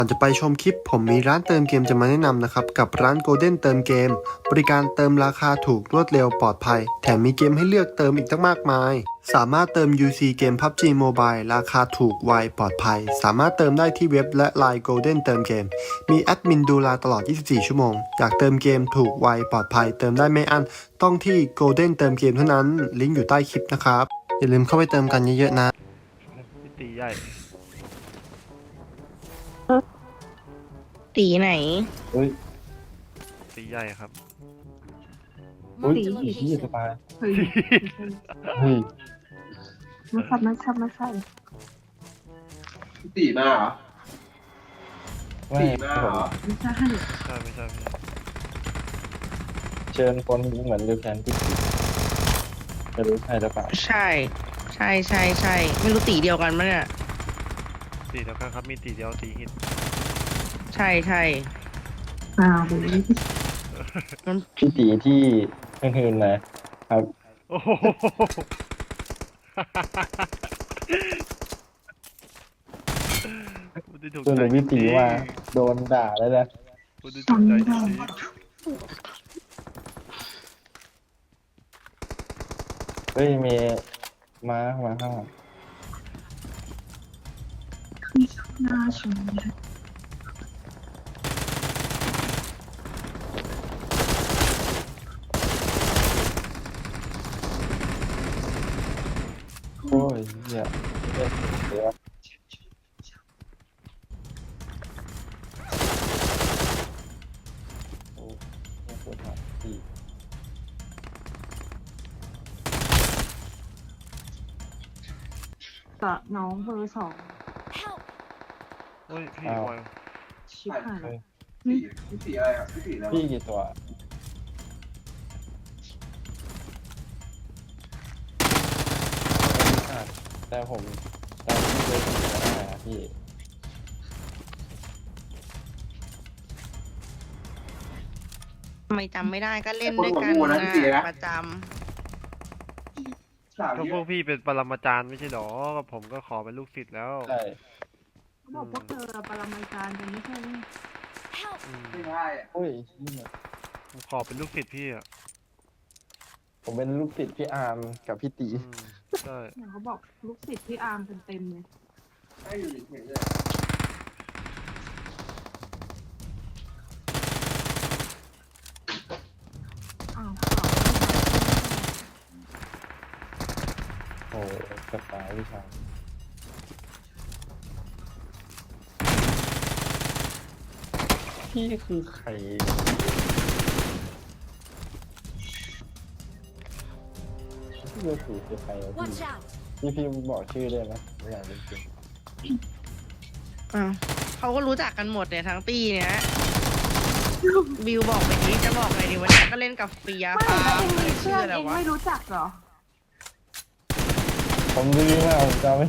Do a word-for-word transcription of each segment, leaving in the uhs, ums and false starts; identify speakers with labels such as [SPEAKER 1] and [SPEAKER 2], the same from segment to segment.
[SPEAKER 1] ก่อนจะไปชมคลิปผมมีร้านเติมเกมจะมาแนะนำนะครับกับร้าน Golden เติมเกมบริการเติมราคาถูกรวดเร็วปลอดภัยแถมมีเกมให้เลือกเติมอีกตั้งมากมายสามารถเติม ยู ซี เกม พับจี Mobile ราคาถูกไวปลอดภัยสามารถเติมได้ที่เว็บและ ไลน์ Golden เติมเกมมีแอดมินดูแลตลอดยี่สิบสี่ชั่วโมงอยากเติมเกมถูกไวปลอดภัยเติมได้ไม่อั้นต้องที่ Golden เติมเกมเท่านั้นลิงก์อยู่ใต้คลิปนะครับอย่าลืมเข้าไปเติมกันเยอะๆนะ
[SPEAKER 2] พี่ตีใหญ่
[SPEAKER 3] ตีไหน
[SPEAKER 4] เฮ้ย
[SPEAKER 2] ตีใหญ่ครับ
[SPEAKER 4] อุ้ยอีกที่สบาย
[SPEAKER 5] เฮ้ย
[SPEAKER 4] เฮ้ย
[SPEAKER 5] ไม่ใช่ไม่ใช่ไม่ใช่
[SPEAKER 6] ตีมาเหรอ
[SPEAKER 4] ไม่
[SPEAKER 6] ตีมาเหรอ
[SPEAKER 5] ไม่ใช่
[SPEAKER 2] ไม่ใช่ไม่ใช่ไม่ใช่
[SPEAKER 4] เชิญคนเหมือนดูแคนที่ตีจะรู้ใช่หรือเปล่า
[SPEAKER 3] ใช่ ใช่ใช่ใช่ไม่รู้ตีเดียวกันมั้ยเนี่ย
[SPEAKER 2] ตีเดียวกันครับมีตีเดียวตีหิน
[SPEAKER 3] ใช่ใช่
[SPEAKER 5] อ้าวดูนี่
[SPEAKER 4] พี่ตีที่หืนๆนะครับ
[SPEAKER 2] โอ้โหถูก
[SPEAKER 4] ส่วน
[SPEAKER 2] ใจ
[SPEAKER 4] พี่ตีว่าโดนด่าแล้วนะ
[SPEAKER 2] ถูกใจจริง
[SPEAKER 4] เฮ้ยมีมามาข้างหลัง
[SPEAKER 5] หน้าชม
[SPEAKER 4] โอ้ยเหี้ยเล่นเดี๋ยวโอ้ยปวดหัวพี่
[SPEAKER 5] กับน้องเบอร์สอง
[SPEAKER 2] โอ้ยพี่วาย
[SPEAKER 5] ชิบหาย
[SPEAKER 4] เฮ้ย
[SPEAKER 6] ตีพี่ตีอะไรอ่ะพี่ตีอะไร
[SPEAKER 4] พี่กี่ตัวแต่ผมแต่พี่เคยตีมาได้นะพี่
[SPEAKER 3] ทำไมจำไม่ได้ก็เล่นด้วยกันนะประจ
[SPEAKER 6] สาม
[SPEAKER 2] ก็
[SPEAKER 6] เย
[SPEAKER 2] พวก
[SPEAKER 6] อะ
[SPEAKER 2] พี่เป็นปรมาจารย์ไม่ใช่หรอก็ผมก็ขอเป็นลูกศิษย์แล้ว
[SPEAKER 4] ใช่
[SPEAKER 5] เขาบอกพวกเธอปรมาจารย์กันไม่ใช่ไหม
[SPEAKER 2] อืม
[SPEAKER 6] ไม่ได้อ่ะ
[SPEAKER 4] โอ้ยนี่มัน
[SPEAKER 2] ผมขอเป็นลูกศิษย์พี่อ่ะ
[SPEAKER 4] ผมเป็นลูกศิษย์พี่อาร์มกับพี่ตี
[SPEAKER 2] อืมใช่
[SPEAKER 5] เนี่ยเขาบอกลูกศิษย์ที่อาร์มกันเต็มเลย
[SPEAKER 6] ให้อยู่เฉยๆเลย
[SPEAKER 5] อ้าว
[SPEAKER 4] โอ้กระต่ายวิชาพี่คือใครพี่จะถือคือใครอะพี่พี่พี่บอกชื่อได้ไหมไม่อยากรู้จริง
[SPEAKER 3] ำอ้าวเขาก็รู้จักกันหมดเนี่ยทั้งปีเนี้ยวิวบอกไปนี้จะบอกไงดีวันนี้ก็เล่นกับเฟีย
[SPEAKER 5] ไม่
[SPEAKER 3] ฟ้า
[SPEAKER 5] แล้วเอง
[SPEAKER 3] ไม่
[SPEAKER 5] มี
[SPEAKER 3] ชื่
[SPEAKER 5] เพื่
[SPEAKER 3] อ
[SPEAKER 5] อน
[SPEAKER 3] อะไร
[SPEAKER 5] เอง
[SPEAKER 3] วะ
[SPEAKER 5] ไม่รู้จักเหรอ
[SPEAKER 4] ผมรู้มากผมจำไม่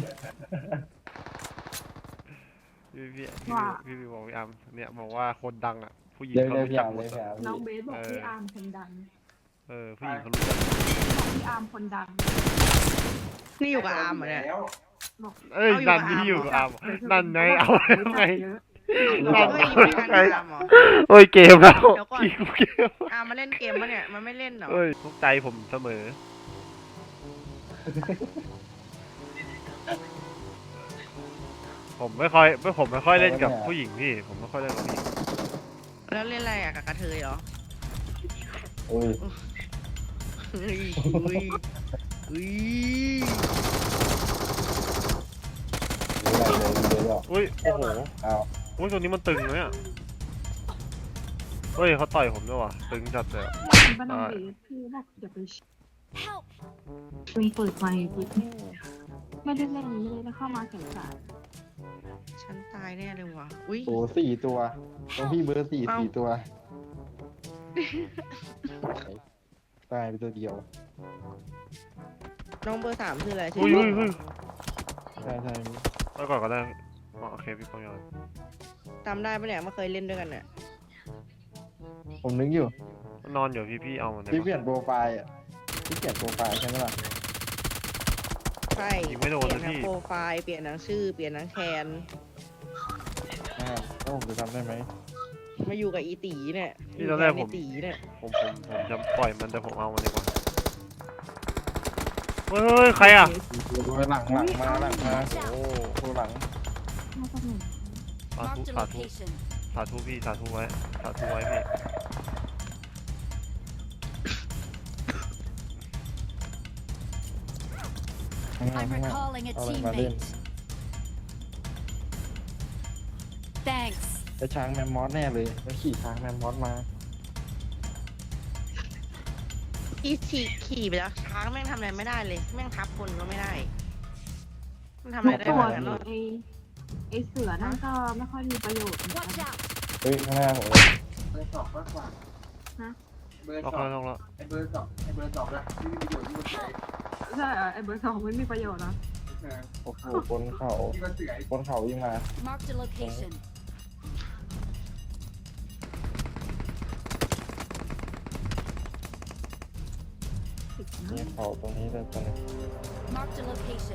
[SPEAKER 2] พี่พี่พี่
[SPEAKER 5] ว่า
[SPEAKER 2] พี่พี่บอกพี่อาร์มเนี่ยบอกว่าคนดังอ่ะผู้หญิง
[SPEAKER 4] เดี๋ยว
[SPEAKER 2] เขา
[SPEAKER 4] เดี๋ยว
[SPEAKER 2] รู้
[SPEAKER 4] พี่
[SPEAKER 2] จัก
[SPEAKER 4] อาร์ม
[SPEAKER 2] หม
[SPEAKER 4] เล
[SPEAKER 2] ด
[SPEAKER 4] ยพี่
[SPEAKER 2] อะ
[SPEAKER 4] อาร์ม
[SPEAKER 5] น้องเบสบอกพี่อาร์มคนดัง
[SPEAKER 2] เออผู้หญิงเขารู้จัก
[SPEAKER 5] บอกพี่อาร์มคนดัง
[SPEAKER 3] นี่อยู่กับอาร์มเหรอเนี่ย
[SPEAKER 6] แล้ว
[SPEAKER 5] บอก
[SPEAKER 2] เอ้ย
[SPEAKER 3] เอาอยู่
[SPEAKER 2] นั่น
[SPEAKER 3] กับ
[SPEAKER 2] ที่อยู่กับอา
[SPEAKER 3] อาร์
[SPEAKER 2] ร์
[SPEAKER 3] ม
[SPEAKER 2] ม
[SPEAKER 5] เดี๋ยวเธอ
[SPEAKER 2] นั่นไงเอา
[SPEAKER 5] บอก
[SPEAKER 2] แล้วไง
[SPEAKER 5] เยอะ
[SPEAKER 2] นั่น
[SPEAKER 3] เฮ้ย
[SPEAKER 2] ไง
[SPEAKER 3] มีการอาร์มเหรอ
[SPEAKER 2] โอ้ยเกมแล้ว
[SPEAKER 3] เดี๋ยวก่อน
[SPEAKER 2] พี่กูเกม
[SPEAKER 3] อาร์มมาเล่นเกมปะเนี่ยมันไม่เล่นเหรอ
[SPEAKER 2] เอ้ยทุกใจผมเสมอ ผมไม่ค่อยไม่ผมไม่ค่อยเล่นกับผู้หญิงพี่ ผมไม่ค่อยเล่นกับผู้หญิง
[SPEAKER 3] แล้วเล่นอะไรอะกับกระเทยเหรอ
[SPEAKER 4] โอ้ย
[SPEAKER 3] เฮ้ยเฮ้ยเฮ้ย
[SPEAKER 4] รู้อะไรเลยเดี๋ยวหรอก
[SPEAKER 2] อุ้ยโอ้โห
[SPEAKER 4] เอา
[SPEAKER 2] อุ้ยตัวนี้มันตึงเลยอ่ะเฮ้ยเขาต่อยผมด้วยว่ะตึงจัดเลยอะ
[SPEAKER 5] บ้านน้องเบสพี่บอกอย่าไปเพิ่งเปิดไมค์ปุ๊บไม่ได้เล่นไม่ได้เข้ามาแข่งขัน
[SPEAKER 3] ฉันตายแน่เลยว่ะอุ้ย
[SPEAKER 4] โอ้สี่ตัวตรงพี่เบอร์สี่
[SPEAKER 3] เอ้า
[SPEAKER 4] สี่ตัวตายไปตัวเดียว
[SPEAKER 3] น้องเบอร์สามคืออะไรชื่
[SPEAKER 2] อุ้ยอุ้ยอุ้ย
[SPEAKER 4] ใช่ใช่
[SPEAKER 2] ไปก่อนก็ได้อ๋อโอเคพี่ปองยอน
[SPEAKER 3] จำได้ปะเนี่ยมาเคยเล่นด้วยกันเนี่ย
[SPEAKER 4] ผมนึกอยู่
[SPEAKER 2] นอนอยู่พี่พี่เอามันได้
[SPEAKER 4] พี่
[SPEAKER 2] ปะ
[SPEAKER 4] เปลี่ยนโปรไฟล์อ่ะพี่เปลี่ยนโปรไฟล์ใช่ไหมล่ะ
[SPEAKER 3] ใช่
[SPEAKER 2] ยิงไม่โดน
[SPEAKER 3] เปลี่ย
[SPEAKER 2] นะ
[SPEAKER 3] นทั้ง
[SPEAKER 2] พี่
[SPEAKER 3] โปรไฟล์เปลี่ยนทั้งชื่อเปลี่ยนทั้งแคน
[SPEAKER 4] อ่าก็ผมจะทำได้ไหม
[SPEAKER 3] มาอยู่กับอีตีเนี่ย
[SPEAKER 2] นี่ตอนแรกผม
[SPEAKER 3] ตีเนี่ย
[SPEAKER 2] ผมผมผมจะปล่อยมันแต่ผมเอามันดีกว่าเฮ้ยเฮ้ยใครอ่ะ
[SPEAKER 4] โอ้ยหลังหลังมาหลังมาโอ้โหหลัง
[SPEAKER 5] มาจากไหน
[SPEAKER 2] สาธุ
[SPEAKER 7] Marked a
[SPEAKER 2] สาธุ
[SPEAKER 7] location.
[SPEAKER 2] สาธุพี่สาธุไว้สาธุไว้พี่
[SPEAKER 4] ข้างหน้า
[SPEAKER 7] I'm
[SPEAKER 4] ข้างหน้า
[SPEAKER 7] recalling a
[SPEAKER 4] เอาอะไรมาเล่น
[SPEAKER 7] teammate. Thanks.
[SPEAKER 4] ไปช้างแมมมอสแน่เลยแล้วขี่ช้างแมมมอสมา
[SPEAKER 3] อีขี่ขี่ไปแล้วช้างแม่งทำอะไรไม่ได้เลย แม่งทับคนก็ไม่ได้ มันทำอะไรได้
[SPEAKER 5] ตัว
[SPEAKER 3] บ้างกัน
[SPEAKER 5] ไอ้ไอ้เสือนั่นก็ไม่ค่อยมีประโยชน์เหมือนกัน
[SPEAKER 7] Watch out.
[SPEAKER 4] เฮ้ยข้างหน้าผมเลย
[SPEAKER 6] เบอร์สองมากกว่า
[SPEAKER 5] ฮะ
[SPEAKER 6] เบอร์
[SPEAKER 2] ล็อก
[SPEAKER 6] สอ
[SPEAKER 2] แล้
[SPEAKER 6] ง
[SPEAKER 2] วล็อกแล้ว
[SPEAKER 6] ไอเบอร์สองไอเบอร์สองนะที่มีประโยชน์ที่มันใช้
[SPEAKER 5] ใช่เหรอไอ้เบอร์สองไม่มีประโยชน์นะ
[SPEAKER 6] เออ
[SPEAKER 4] โอ้โหบนเขา
[SPEAKER 6] ที่มันเสือไอ้
[SPEAKER 4] บนเขาวิ่งมา
[SPEAKER 7] Marked a location.
[SPEAKER 5] ติด
[SPEAKER 4] นี่
[SPEAKER 5] นะ
[SPEAKER 4] เขาตรงนี้เลยตรงนี้
[SPEAKER 7] Marked a location.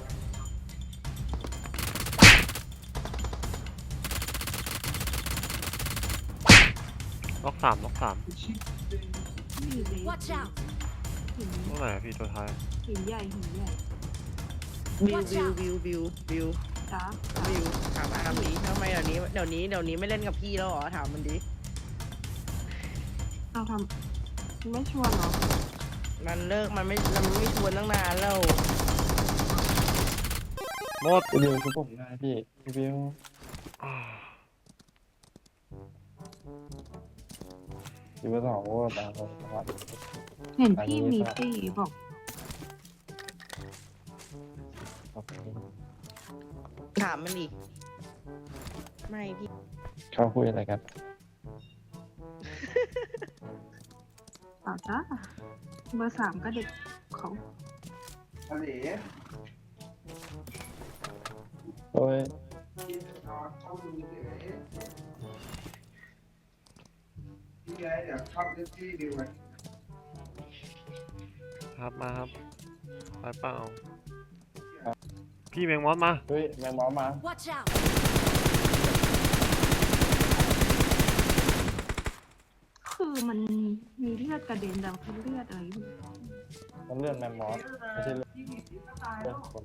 [SPEAKER 2] ล็อกสามล็อกสาม
[SPEAKER 5] นี่เลย
[SPEAKER 7] Watch out.
[SPEAKER 5] หิน
[SPEAKER 2] ตรงไหนอะพี่ตัวท้าย
[SPEAKER 5] หินใหญ่หินใหญ่
[SPEAKER 3] บิวบิวบิวบิวบิว
[SPEAKER 5] จ้า
[SPEAKER 3] บิวถามอาร์มดิทำไมเดี๋ยวนี้เดี๋ยวนี้เดี๋ยวนี้ไม่เล่นกับพี่แล้วเหรอถามมันดิ
[SPEAKER 5] เอาทำไม่ชวนเหรอ
[SPEAKER 3] มันเลิกมันไม่มันไม่ชวนตั้งนานแล้ว
[SPEAKER 2] หมด
[SPEAKER 4] พี่บิวคือผมได้พี่พี่บิว
[SPEAKER 2] อ่า
[SPEAKER 4] อยู่บนเขาโอ้ตามผมนะครับ
[SPEAKER 5] เห็นพี่มีสี่บอก
[SPEAKER 4] ขอบคุณ
[SPEAKER 3] ถามมันดิไม่พี่
[SPEAKER 4] เขาคุยอะไรกัน
[SPEAKER 5] เปล่าจ้าเบอร์สามก็เด็กเขา
[SPEAKER 6] ทะเล
[SPEAKER 4] โอ้ย
[SPEAKER 6] ที่นอนเข้าดูเฉยที่ไงเดี๋ยวเข้าเล่นที่ดีกว่า
[SPEAKER 2] ครับมาครับไปเปล่าพี่แมงมอสมา
[SPEAKER 4] เฮ้ยแมงมอสมา
[SPEAKER 7] Watch out.
[SPEAKER 5] คือมันมีเลือดกระเด็นแต่คือเลือดอะไรไม่รู้
[SPEAKER 4] มันเลื่อนแมมมอสไม่ใช่เลื่อนเลื่อนคน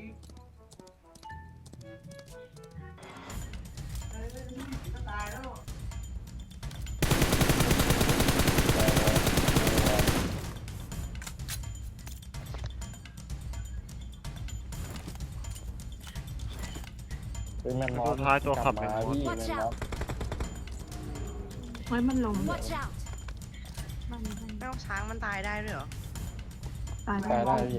[SPEAKER 4] เป็นแมมมอส
[SPEAKER 2] ตัวท้ายตัวขับแมงมอส
[SPEAKER 4] พี่แมมมอส
[SPEAKER 5] เฮ้ยมันลง
[SPEAKER 7] Watch out.
[SPEAKER 5] มันมัน
[SPEAKER 3] เอ้าช้างมันตายได้ด้วยเหรอ
[SPEAKER 5] ตาย
[SPEAKER 4] ตายได้พี่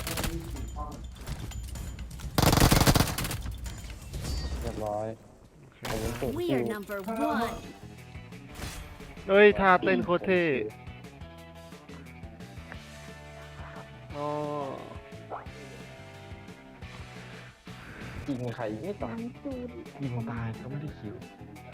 [SPEAKER 4] เรียบร้อยผมเป็นสูตร
[SPEAKER 7] We
[SPEAKER 4] คิว
[SPEAKER 7] are number one.
[SPEAKER 2] เฮ้ยท่าเต้นโคตรเท่อ๋อ
[SPEAKER 4] ยิงใครไม่ตาย
[SPEAKER 5] ตูด
[SPEAKER 4] ยิงตายก็ไม่ได้คิว